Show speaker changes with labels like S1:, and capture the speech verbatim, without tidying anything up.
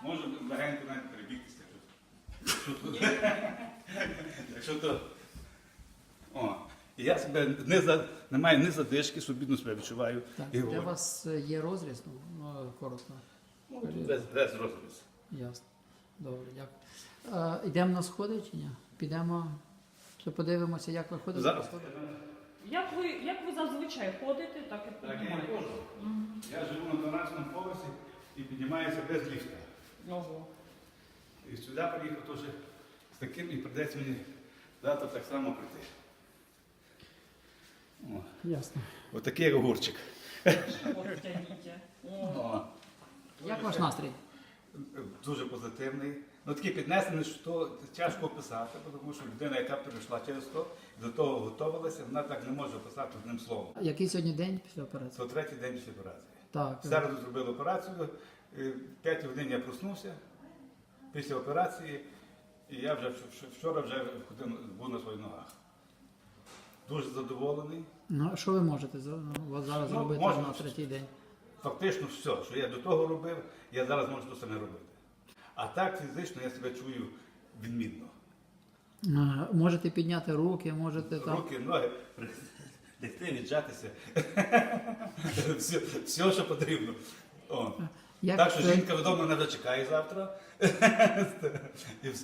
S1: Можу легенько навіть перебігтися. Якщо то. О, і я себе не, за, не маю ні задишки, собідно себе відчуваю.
S2: Так,
S1: І
S2: для
S1: говорю.
S2: вас е, є розріз, ну, ну коротко.
S1: Ну, без, без розріз.
S2: Ясно. Добре, дякую. Е, йдемо на сходи чи ні? Підемо, чи подивимося, як ви ходите
S1: Зараз.
S2: по сходах?
S3: Як ви, як ви зазвичай ходите, так і
S1: Так, я не
S3: піднімаєте?
S1: ходжу. Я живу на дванадцятому поверсі і піднімаюся без ліфта.
S3: Ого.
S1: І сюди приїхав теж з таким, і прийдеться мені завтра так само прийти. О,
S2: Ясно.
S1: отакий як огурчик.
S3: От тягніть. О.
S1: О,
S2: Як ваш настрій?
S1: дуже позитивний. Ну такий піднесений, що тяжко описати, тому що людина, яка прийшла через то, до того готувалася, вона так не може описати одним словом.
S2: Який сьогодні день після операції?
S1: Це третій день після операції.
S2: Так.
S1: В середу зробили операцію, в п'ятій годині я проснувся після операції, і я вже вчора вже ходив, був на своїх ногах. Дуже задоволений.
S2: Ну, а що ви можете за- ну, от зараз
S1: Ну,
S2: робити
S1: можна.
S2: на третій день?
S1: Фактично все, що я до того робив, я зараз можу то саме робити. А так фізично я себе чую відмінно.
S2: Е, Можете підняти руки, можете там.
S1: Руки, ноги, лягти, віджатися. все, все, що потрібно. О.
S2: Як
S1: Так що
S2: це-
S1: жінка вдома не дочекає завтра. І все.